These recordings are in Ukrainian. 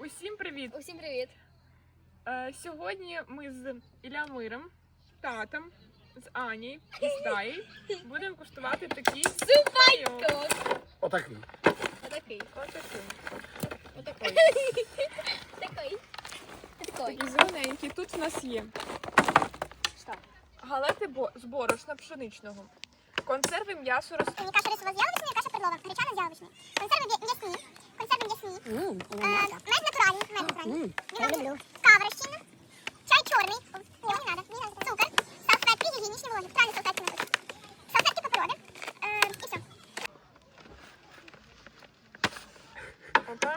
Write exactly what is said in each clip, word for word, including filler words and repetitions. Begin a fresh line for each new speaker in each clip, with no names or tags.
Усім привіт!
Усім привіт!
Е, сьогодні ми з Ілля-Миром, татом, з Ані і з Таєю будемо куштувати такий
Супайко!
Отакий.
Отакий.
Отакий.
Отакий. Такий. Такий.
Такий зелененький. Тут в нас є
Що?
галети бо- з борошна пшеничного, консерви м'ясо роз...
Каша рисова з яловичною, каша перлова, гречана з яловичною. Консерви м'ясні, консерви м'ясні. Е, Мед натуральний, мед натуральний. Вино, кава розчинна, чай чорний. Ні, мені надо, мені надо. Цукор, салфетки, гігієнічні вологі. Правильно, салфетки надо. Салфетки паперові. Е, І все.
Опа.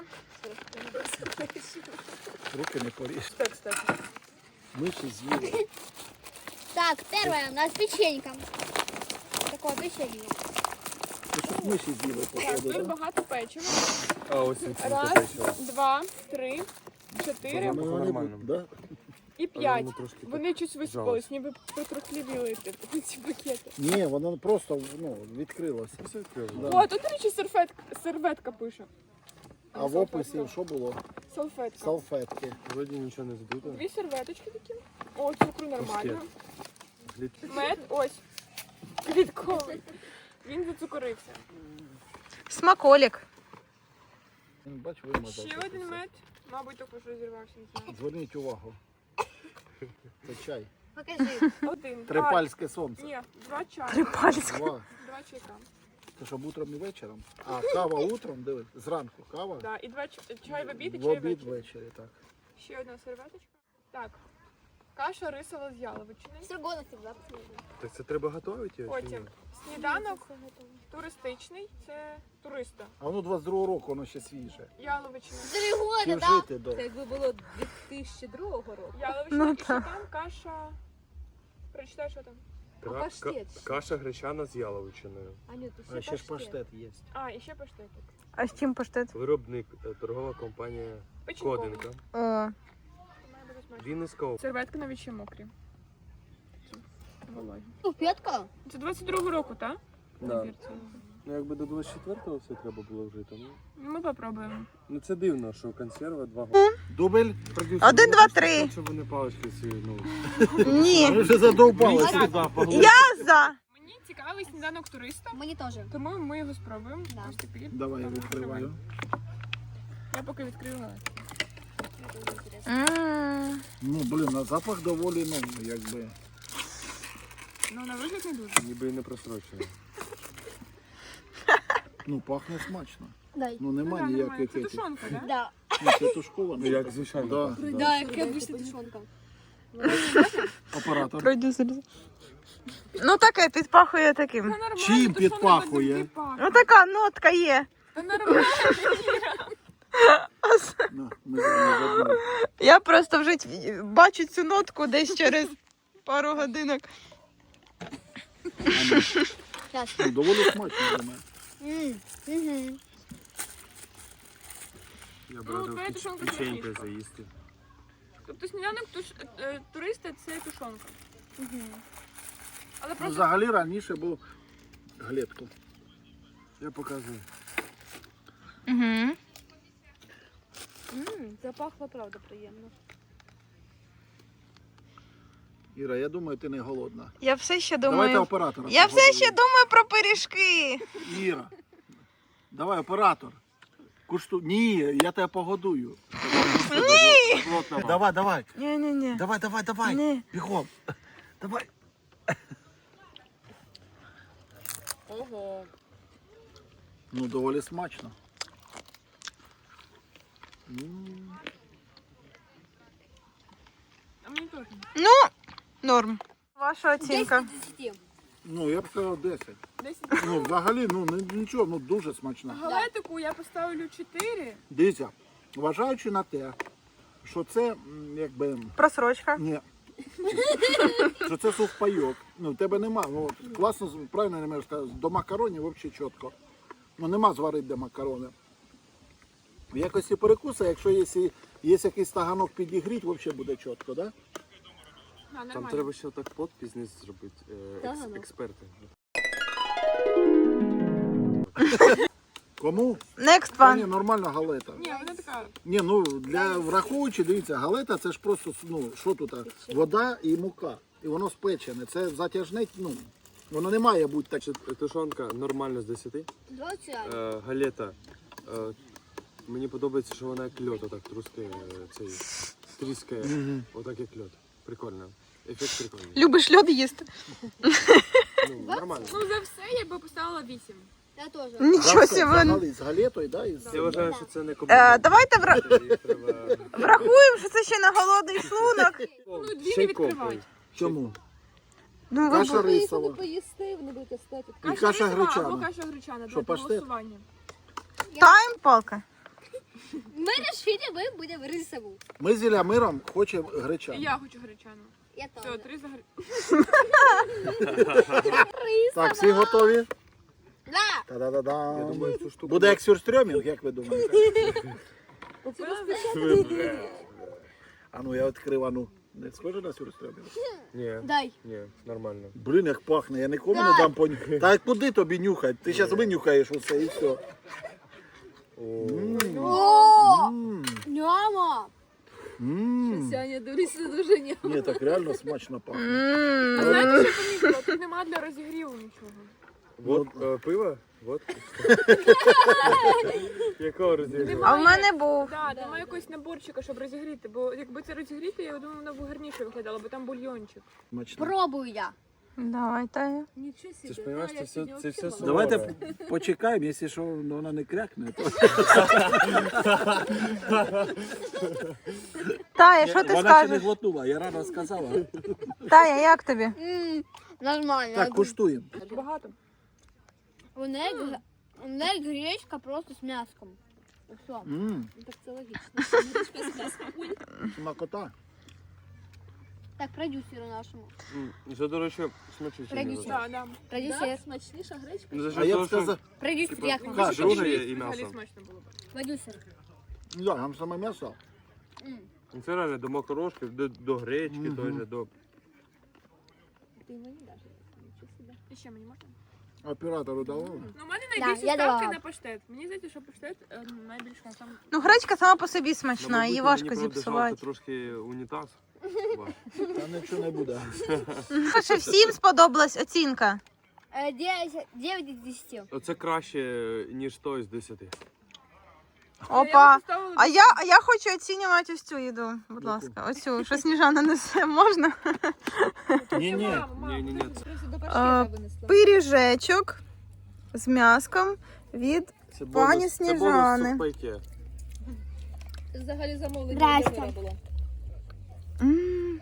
Руки не поріж.
Так, кстати.
Миші з'їли.
Так, первое, у нас печенька. Такое печенье.
Ти щоб миші з'їли,
Так,
походу,
тут
да?
багато печива.
А ось він
Раз, два, три, чотири
Ну, вони
нормально.
будуть, да?
і п'ять.
воно трошки
Вони щось висипались, ніби потрохлівіли типу, ці пакети.
Ні, воно просто ну, відкрилося. Да.
О, тут, до речі, серветка, серветка пише.
А в описі що було?
Салфетка.
Салфетки.
Вроді нічого не здуто.
Дві серветочки такі. О, цукру нормально. Мед, ось. Квітковий. Він зацукорився.
Смаколик.
Бач, вимазав.
Ще
це
один
все.
мед. Мабуть, також розірвався, не знаю.
Зверніть увагу. Це чай.
Покажи.
Один.
Трипальське
А,
сонце.
ні, два чайка.
Трипальське.
Два.
Два чайка.
Це щоб утром і вечором. А кава утром, диви, зранку кава.
Да, і два ч- чай в обід і
В
чай
обід
ввечері.
ввечері, так.
Ще одна серветочка. Так. Каша рисова з яловичини.
Строганов всегда.
Так це треба готувати його? чи ні?
Потім сніданок туристичний. Це туриста.
А воно двадцять другого року, воно ще свіже.
Яловичина.
Три года,
Чи
да?
вжити до.
Якби було дві тисячі другого року.
Яловичина.
Ну,
І що
так.
там каша. Прочитай, що там.
Кра-
паштет
ка- Каша гречана з яловичиною.
Аню, то
А ще ж паштет є.
А, і ще паштетик.
А з чим паштет?
Виробник, е, торгова компанія
Печінковий.
Кодинка.
О,
Має бути смачно.
Вінницька область.
Серветки навіть ще мокрі. Вологі.
Ну, п'ятка.
Це двадцять другого року, так?
Да. Ну якби до двадцять четвертого все треба було вжити. Ну,
Ми попробуємо.
ну це дивно, що консерва два роки.
Дубль. продюсер.
один, два, три.
Щоб вони палички ці, ну.
Ні.
Ми вже задовбали.
Я за.
Мені цікавий сніданок туриста,
Мені теж.
тому ми його спробуємо.
Да.
Ось такий.
Давай я
Там
відкриваю.
Я поки відкрию галет.
М.
Ну, блін, на запах доволі, ну, якби.
Ну, на вигляд не дуже.
Ніби і не просрочено.
Ну, пахне смачно.
Дай.
Ну, нема
Ну, да, нормально.
ніяких
Це
етих.
тушонка, так?
Да.
Ну, це тушковано.
Ну як звичайно.
Да.
Да, яка обычно тушонка.
Оператор.
Продюсер. Ну таке підпахує таким.
Та нормально,
Чим
тушонка
підпахує?
завжди пахне.
Ну така нотка є.
Та нормально.
На, ми з вами забули.
Я просто вже т- бачу цю нотку десь через пару годинок.
Ну, доволі смачно для мене.
Ммм. Угу.
Я б
Ну,
радив
твоя
печ-
тушонка
печенькою
смачніша.
заїсти.
Тобто сніданок туш... е, туриста – це тушонка. Але
Ну,
просто
взагалі раніше був глетко.
Я показую.
Угу.
Ммм, запахло, правда, приємно.
Іра, я думаю, ти не голодна.
Я все ще
Давайте
думаю.
оператора.
Я все ще думаю про пиріжки.
Іра, давай оператор. Кушту... Ні, я тебе погодую. Ні! Давай, давай.
Ні-ні-ні.
Давай, давай, давай.
Ні.
Бігом. Давай.
ого.
Ну, доволі смачно. М.
А мені теж.
Ну, норм. Ваша оцінка.
десять.
Ну, я б сказав десять.
Десять.
Ну, взагалі, ну, не- нічого, ну, дуже смачно.
Галетику я поставлю чотири.
Дивіться, вважаючи на те, що це, м, якби,
Просрочка.
ні, що це сухпайок. Ну, в тебе нема, ну, от, класно, правильно не можеш сказати, до макаронів взагалі чітко. Ну, нема зварити де макарони. В якості перекуса, якщо є, сі- є якийсь таганок підігріть, взагалі буде чітко, так? Да?
А,
Там
нормально.
треба ще так подпис зробити. е, екс-
Так, ну.
Експерти.
Кому?
Next
Та ні,
one.
нормальна галета.
Ні, вона така.
Ні, ну для враховуючи, дивіться, галета це ж просто, ну, що тут, а? Вода і мука. І воно спечене. Це затяжне, ну, воно не має бути так.
Значить, тушонка нормально з десяти.
Двадцять.
Е, галета. Е, мені подобається, що вона як льод, отак трускає, е, цей, тріскає. Отак як льод. Прикольно. Ефект прикольний.
Любиш льод їсти?
Ну, нормально.
Ну за все я би поставила вісім.
Я теж.
Нічого собі.
Взагалі, з галетою, да? І з...
Я вважаю, що це не
Е,
комплімент.
давайте вра-
Її треба...
врахуємо, що це ще на голодний шлунок.
Ну, дві
Ще
не
й копай.
відкривай.
Чому?
Ну, ви
Каша
б-
Ви
рисова.
коли поїсти, вони будуть остати.
І каша
рисова
гречана.
Або каша гречана,
Що,
для
паштет?
голосування.
Тайм, палка.
Ми вирішили, ми будемо рисову.
Ми з Ілямиром хочемо
І
гречану.
я хочу гречану.
Я
Все,
теж.
три за гречану.
Так, всі готові?
Да.
Та-да-да-да.
Я думаю, цю штуку...
Буде як сюрстрьомінг, як ви думаєте? А ну я відкрив, а ну. Не схоже на сюрстрьомінг?
Ні,
Дай.
ні, нормально.
Блін, як пахне, я нікому не дам понюхати. Та куди тобі нюхати? Ти зараз винюхаєш усе і все.
О, няма.
Ммм.
Сяня, дивися дуже ні.
Ні, так реально смачно пахне.
М.
А знаєте, що помітила? Тут нема для розігріву нічого.
Вот е, пиво? Вот. Якого розігріву?
А в мене був.
Так, немає якогось наборчика, щоб розігріти, бо якби це розігріти, я думаю, воно б гарніше виглядало, бо там бульйончик.
Смачно.
Пробую я.
Давай, Тая.
Нічого собі.
Ти ж розумієш,
А,
це
я
все,
сьогодні
це все
взагалі
суворе.
Давайте почекаємо, якщо що, вона не крякне. То...
Тая, що ти
Вона ще не
скажеш?
глотнула, я рано сказала.
Тая, як тобі?
М, Нормально.
Так, куштуємо.
Багато.
У неї, г- у неї гречка просто з м'яском. Все.
Ммм,
Ну, так це логічно.
смакота.
Так, продюсеру нашому.
М, і це, до речі, смачніше.
Продюсер.
Так, так.
Продюсер.
Да, смачніша гречка.
Ну, за
А
що
я б
того, що
сказав,
Продюсер,
Типа,
як вам?
Каша,
друге
вже
є і
Взагалі
м'ясо.
смачно було б.
Продюсер.
да, там саме м'ясо.
М.
Ну, це реально до макарошки, до, до гречки,
Мгм.
той же, до...
Ти мені даш. Нічого собі.
І ще мені можна?
Оператору давали.
Ну, у мене
Да,
найбільші
я
ставки
давала.
на паштет. Мені здається, що паштет е, найбільше там.
Ну, гречка сама по собі
Ну,
смачна,
мабуть,
її
мені,
важко
правда,
зіпсувати.
жалко трошки унітаз. Ваш.
Там нічого не буде.
Що всім сподобалась оцінка?
Е, дев'ять- дев'ять із десяти.
Оце краще, ніж той з десяти.
Опа. А я, а я хочу оцінювати ось цю їду, будь
Яку?
ласка. Оцю, що Сніжана несе, можна?
Ні-ні.
Ні-ні-ні, це,
Просто до
А,
паштета винесла.
Пиріжечок з м'яском від...
це
Пані
бонус, це
Сніжани.
бонус сухпайки.
Взагалі замовлення
Здрасте.
Володимира було.
М.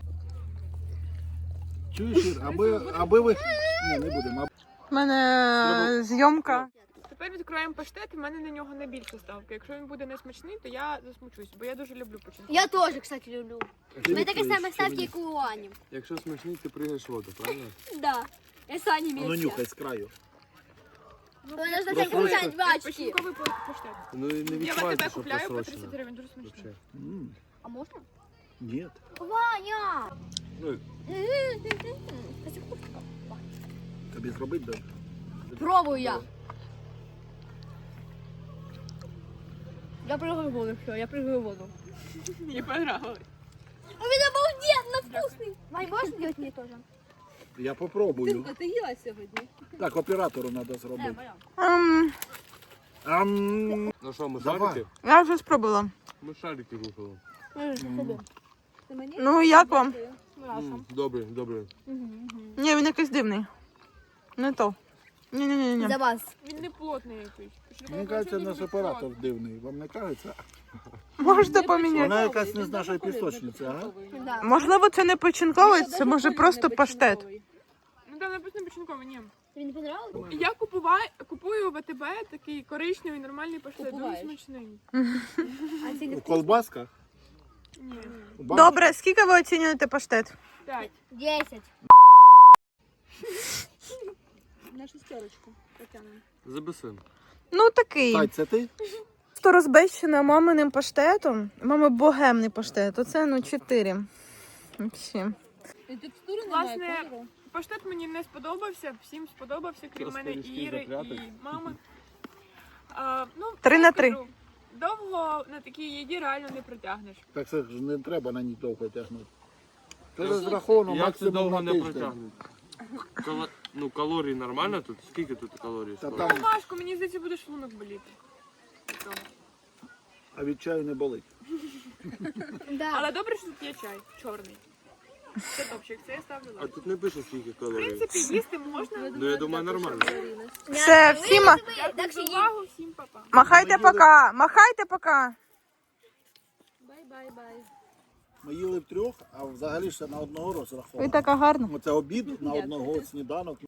Чуєш, Ір, аби, аби ви... Ні, не будемо.
У мене зйомка.
Тепер відкриваємо паштет, і в мене на нього найбільша ставка. Якщо він буде несмачний, то я засмучусь, бо я дуже люблю починку.
Я теж, кстати, люблю.
Ти
Ми таке
відкриєш,
саме
чи
ставки,
ні?
як у Ані.
Якщо смачний, ти пригаєш в воду, правильно?
Да. Я з Ані
Ну,
вместе.
нюхай з краю.
Вона ж
Просто
так получать два очки.
Починковий па- паштет.
Ну і не
Я в
відчувається,
АТБ
що
купляю по
просрочено.
тридцять гривень, дуже смачно.
Вообще.
М,
А можна?
Ні.
Ваня!
Ну,
Тобі зробити добре.
Пробую я. Я прыгаю в воду, все, я прыгаю в воду.
Мені понравилось.
Он обалденно вкусный. Вань, можешь сделать мне тоже?
Я попробую.
Тимка, ти їла сьогодні?
Так, оператору треба зробити.
Ем,
Ам,
ну що, ми
Давай.
шарики?
я вже спробувала.
Ми шарики рухали.
Ти мені?
Ну, як вам?
М, Добре, добре.
Ні, він якийсь дивний. Не то. Ні-ні-ні.
За вас.
Він не плотний якийсь.
Мені кажеться, наш оператор дивний. Вам не кажеться?
Можете поміняти.
Вона якась не з нашої пісочниці, ага?
Да.
Можливо, це не починковий, це може просто паштет.
Ну там написано починковий, ні.
Тобі не понравилось?
Я купуваю, купую в АТБ такий коричневий нормальний паштет, дуже
Купуваєш?
смачний.
А це не
У колбасках?
Ні.
У банках?
Добре, скільки ви оцінюєте паштет?
П'ять.
десять.
На шестерочку потягнемо.
Забесим.
Ну, такий.
Тать, це ти?
Хто розбещена маминим паштетом, мами богемний паштет, оце, ну, чотири. Взагалі.
І текстури немає,
Власне,
кольору.
Паштет мені не сподобався, всім сподобався, крім
Просто
мене і
різкий
Іри,
запряток.
і мами. А, ну,
Три
я
на три.
кажу, довго на такій їді реально не протягнеш.
Так це ж не треба на ній довго тягнути. Це розраховано
Як це
максимум
довго
на
не
тиждень.
протягнуть? Кало... Ну, калорій нормально тут? Скільки тут калорій?
Та
складно?
там,
Ну, важко, мені здається, буде шлунок боліти. від того.
а від чаю не болить.
Да.
Але добре, що тут є чай чорний. Це топчик, це я ставлю
А
лайк.
тут не пише скільки
В
калорій.
принципі, їсти можна.
Ну, я думаю, нормально.
Все, всім ма-
Дякую за увагу, всім па-па.
махайте пока, махайте пока.
Бай-бай-бай.
Ми їли втрьох, а взагалі ще на одного розраховано.
Ви така гарна.
Оце обід на одного, сніданок.